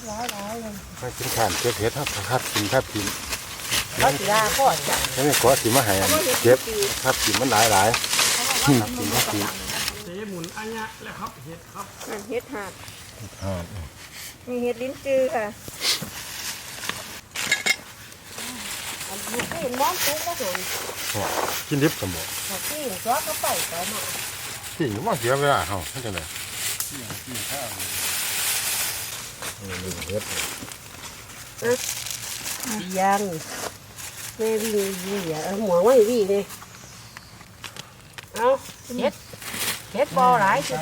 ให้กินข้าวเก็บเห็ดครับกินครับกินเขาสีราพ่อจ้ะนี่ก็สิมาให้เก็บครับกินมันหลายกินครับกินเสหมุนอันนี้แหละครับเห็ดครับเห็ดหาดมีเห็ดลิ้นจือค่ะอันนี้ก็เห็นม้อนตุ๊กก็เห็นกินดิบสมบูรณ์ที่ซอสก็ไปต่อมาที่ว่าเสียเวลาเขาไม่ใช่เลยเห็ดยังแม่วิ่งหัวไว้วิ่งเลยเอาเห็ดบอหลายจุด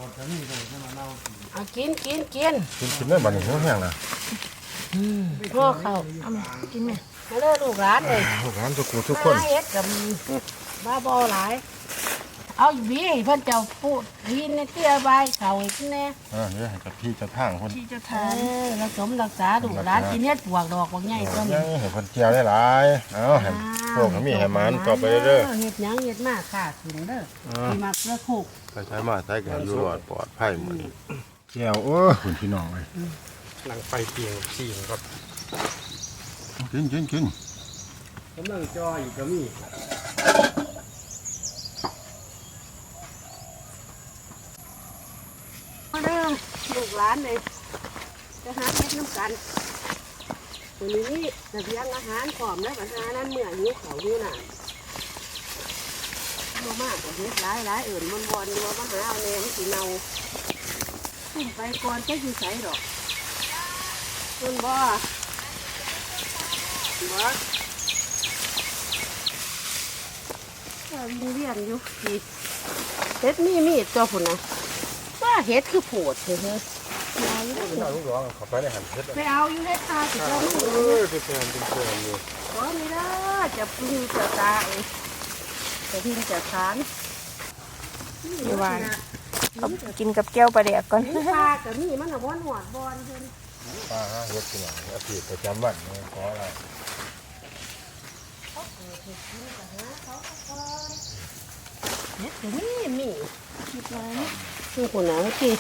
เอากินได้บัดนี้แห้งนะพ่อเขาเอามากินไหมมาเลิกลูกร้านเลยลูกร้านทุกคนเห็ดกับบ้าบอหลายเอาบีเพิ่นเจ้าพูดยินในเตี้ยใบเขาอีกแน่นี่กับพี่จะทางคนที่จะทานรักสมรักษาดูร้านกินเฮ็ดปวกดอกบางใหญ่ต้นเห็นคนเจียวได้หลายเอาเห็นพวกเขามีแหมันต่อไปเรื่อยเห็ดยังเห็ดมากค่ะถึงเด้อที่มักเลือกคุกใช้มาใช้กันอยู่ปลอดภัยเหมือนเจียวคุณพี่น้องเลยหลังไฟเปียงชีงครับกินกำลังจอยก็มีมาเด้อลูกหลานเลยจะหาเฮ็ดน้ำกันวันนี้จะเลี้ยงอาหารพร้อมแล้วปัญหานั้นเมื่อหิวเขาอยู่น่ะมากกว่าเฮ็ดหลายอื่นมันบอลดูว่ามาหาเอาแนวสีเนาขึ้นไปก่อนจะอยู่ใส่ดอกมันบ่วิ่งเรียนอยู่ดีเฮ็ดมีดตัวผุนนะว่าเฮ็ดคือโผดเถอะลูกร้องเขาไปในหันเฮ็ดไปเอาอยู่เฮ็ดตาสิเราเป็นแฟนอยู่ขอนี่ละจะพึ่งจะตาจะพิงจะทานนี่ว่ากินกับแก้วปลาแดกก่อนปลากับนี่มันหัวหนวดบอลเพิ่นปลาเฮ็ดที่ไหนอาทิตย์ประจำวันขออะไรเฮ็ดกับมีคิดว่าคือคนหนาวที่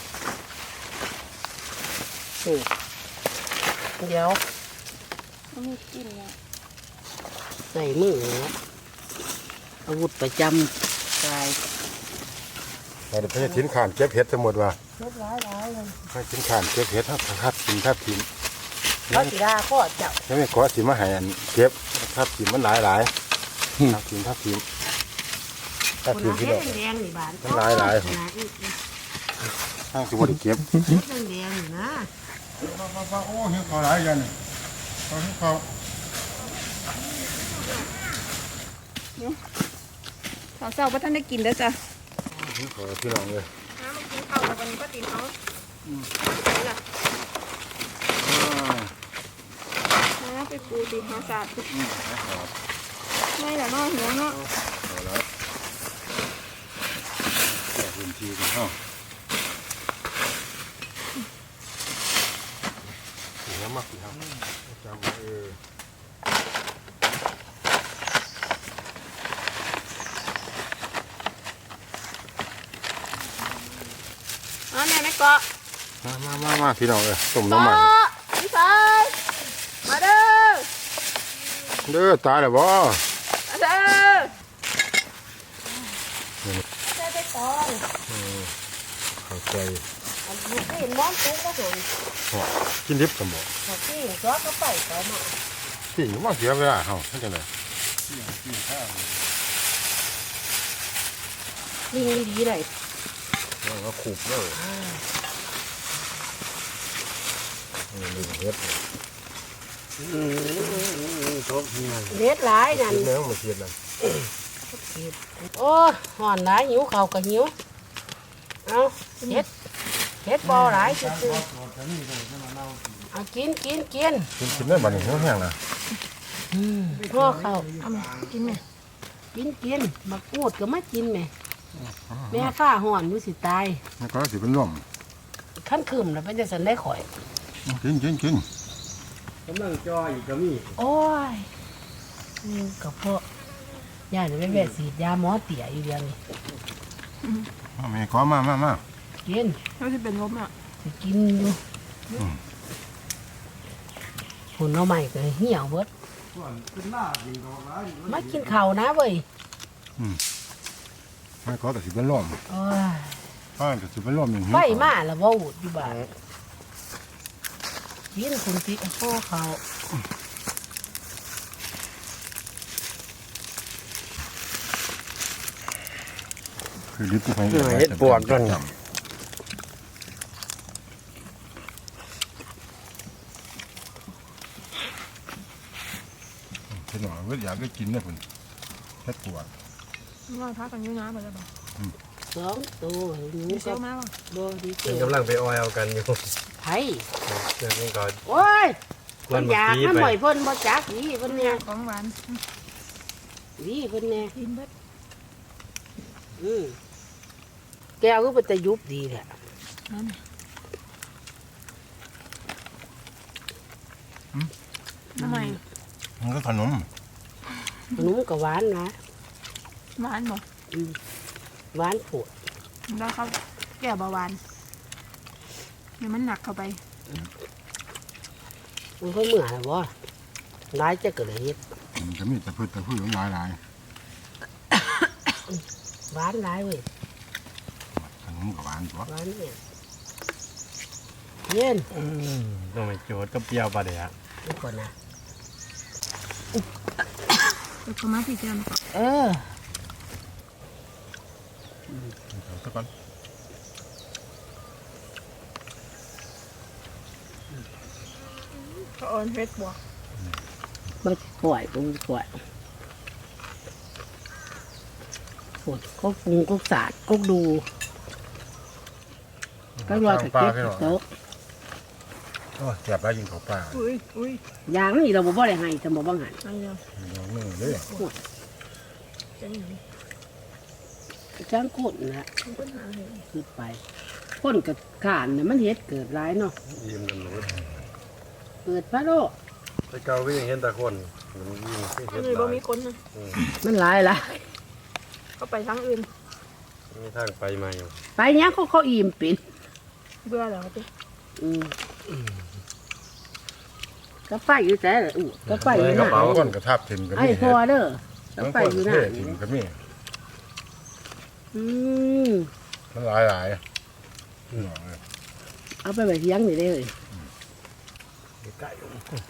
เดี๋ยวมีกินเนี่ยใส่มืออาวุธประจำกายเราจะไปทิ้งข่านเก็บเห็ดทั้งหมดว่ะเฮ็ดหลายเลยไปทิ้งข่านเก็บเห็ดครับกินทิ้งเขาสีราพ่อเจ้ายังไม่ขอสิมาให้เก็บครับกินมันหลายครับกินที่ดอกมันหลายทั้งสิบ่ได้เก็บแดงๆนะโอ้เห็ดเขาหลายกันเขาเศร้าๆว่าท่านได้กินแล้วจ้ะขอพี่น้องเลยน้ำมันกินข้าววันนี้ก็ตีเขาน้ำไปปูตีหาศาสตร์ไม่หรอเนาะหัวเนาะแต่พื้นที่กันเนาะสีน้ำมักสีครับจำแม่ไม่เกาะมาพี่น้องเลยต้มน้ำมันพี่ชายมาเด้อตายแล้วบ่มาเด้อใส่ไปตองเข้าใจอันนี้ก็เห็นม้อนตุ๊กก็เห็นกินดิบสมบูรณ์ที่ซอสก็ไปต่อมาที่ว่าเสียเวลาเขาไม่ใช่เลยวิ่งดีเลยก็ขูบเลยเฮ็ดเฮ็ดหลายนั่นเนื้อมาเทียนนั่นโอ้ห่อนหลายหิวเขาก็หิวเอาเฮ็ดบอหลายจุดเอากินได้บัดนี้แห้งนะพ่อเขาเอามากินไหมกินมาพูดก็ไม่กินไหมแม่ข้าห่อนอยู่สิตายแล้วก็สิเป็นร่วมขั้นคืมแล้วเป็นจะสันได้ข่อยกินกำลังจอยก็มีโอ้ยนี่กับพ่อย่าจะไปแวะฉีดยาหมอเตี๋ยอยู่เดียวนี่แม่ขอมากินเขาจะเป็นลมอ่ะจะกินอยู่หุ่นเอาใหม่ก็เหี่ยวเบิดส่วนขึ้นหน้ายิงดอกร้ายมากินข้าวนะเว้ยไม่ขอแต่สิเป็นร่มโอ้ยถ้าแต่สิเป็นร่มอย่างนี้ไฟมาแล้วบ่อุดอยู่บ้านกินคุณติโป้เขาคือลิฟต์ที่ไปเฮ็ดปวกกันเห็นหน่อยเวทอยากได้กินนะคุณเฮ็ดปวดว่าพักกันอยู่นะบ่ได้บ่ 2 ตัวหนูมีเซก็ลมาบ่บ่ดีเจเป็นกำลังไปออยเอากันอยู่ไผเรื่องนี้ก่อนโอ้ยกวนอยากเมื่อกี้น้ำไปหม่อยเพิ่นบ่จักนี่เพิ่นเนี่ยของหวานนี่เพิ่นเนี่ยกินเบิดแก้วก็เป็นตะยุบดีแหละนั่น ทำไมมันก็ขนมขนมก็หวานนะหวานบ่หวานผดแล้วเขาแก้เบาหวานเดี๋ยวมันหนักเข้าไปมันค่อยเมื่อยบ่ร้ายจะเกิดอะไรเฮ็ดมันจะมีแต่พืชหลายหวานร้ายเว้ยขนมกับหวานตัวหวานเนี่ยเย็นต้องไปโจทย์ก็เปรี้ยวปลาเดี๋ยวนี่ก่อนนะเอาเข้ามาพี่เจมเออสักก่อนเขาเอิ้นเฮ็ดบวกมาปล่อยปรุงปล่อยปวดก็ปรุงก็สาดก็ดูก็รอตะเกียบโต๊ะโอ้แซ่บแล้วยิงข้าวปลาอุ้ยอย่างนี้เราบ่ได้ให้จะบ่บังหันอันเดียวลองนึ่งเลยจะหนีจ้างคนนะมันก็หาเลยคือไปคนกับขานเนี่ยมันเฮ็ดเกิดร้ายเนาะยิ้มกันหนูเกิดพระโลกไปเกาก็ยังเห็นแต่คนมันยิ้มไม่อัเห็นนนี้หบ่ลายมีคนนะมันร้ายละเขาไปทางอื่นมีทางไปมาอยู่ไปเนี้ยเขาอิ่มเป็นเบื่อแล้วติก็ไปอยู่แต่ละอู้ก็ไปอยู่กระน่ะเป๋าก้นกระทับทิมก็ไอ้มีพอเด้อก็บางไปคนอยู่เทน่ะทิมก็มีอืมมันหลายเอาไปไว้เลี้ยงนี่ได้เลยใกล้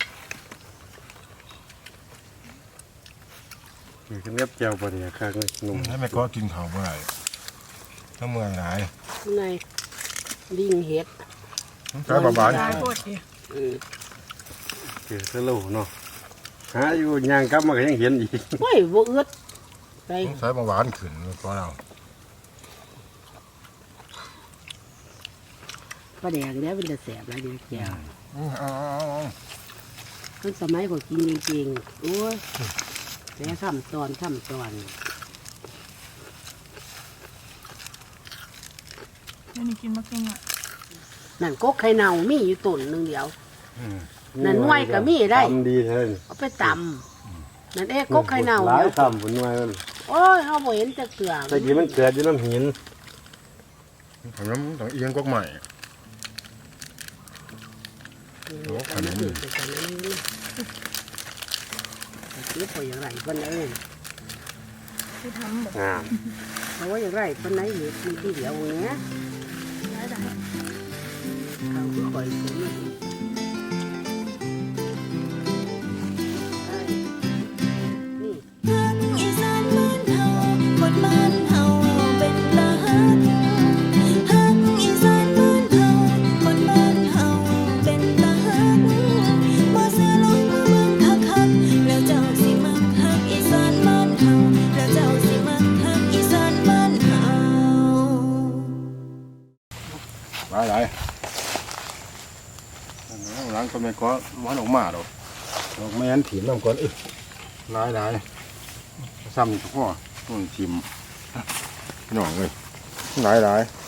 คือเล็บเจียวปลาเดี๋ยวข้างเลยนุ่มให้แม่ก็กินข้าวเมื่อไหร่ถ้าเมื่อยหลายในลิงเฮ็ดใช้ประมาณได้โคตรดิคือสลูเนาะหาอยู่ย่างกลับมาก็ยังเห็นอีกโอ้ยบ่อึดไปใช้ประมาณขึ้นเพราะเราปลาแดงเนี่ยเป็นแต่แสบหลายเดียวแก้วเอาตั้งสมัยก็กินจริงๆโอ้ยแต่ทำตอนแล้วนี่กินมาเก่งอ่ะนั่นกกไข่เน่ามีอยู่ต้นหนึงเดียว นั่นหน่วยก็มีได้ทำดีเท่านั้นเอาไปตำนั่นกกไข่เน่าหลายเดียวคำผลหน่วยมันโอ้ยเฮาบ่เห็นจักเทื่อตะกี้มันเกิดอยู่น้ำหินผมต้องเอียงก๊กใหม่โอ้ขนมนี่พออย่างไรปานไหนที่ทำแบบงามเอาไว้อย่างไรปานไหนเห็ดมีที่เดียวเนี้ยได้ได้เขาคือคอยซื้อนี่อีสานบ้านเฮาคนบ้านเฮาเป็นตาฮักฮักอีสานบ้านเฮาคนบ้านเฮาเป็นตาฮักบ่เสียลงมาเบิ่งคักๆแล้วเจ้าสิมักฮักอีสานบ้านเฮาแล้วเจ้าสิมักฮักอีสานบ้านเฮาหลายหลังก็ไม่ก็มันออกมาหรอกดอกแม่นถิ่มน้ำก่อนหลายซ้ำทุกข้อต้นถิ่มพี่น้องเลยหลาย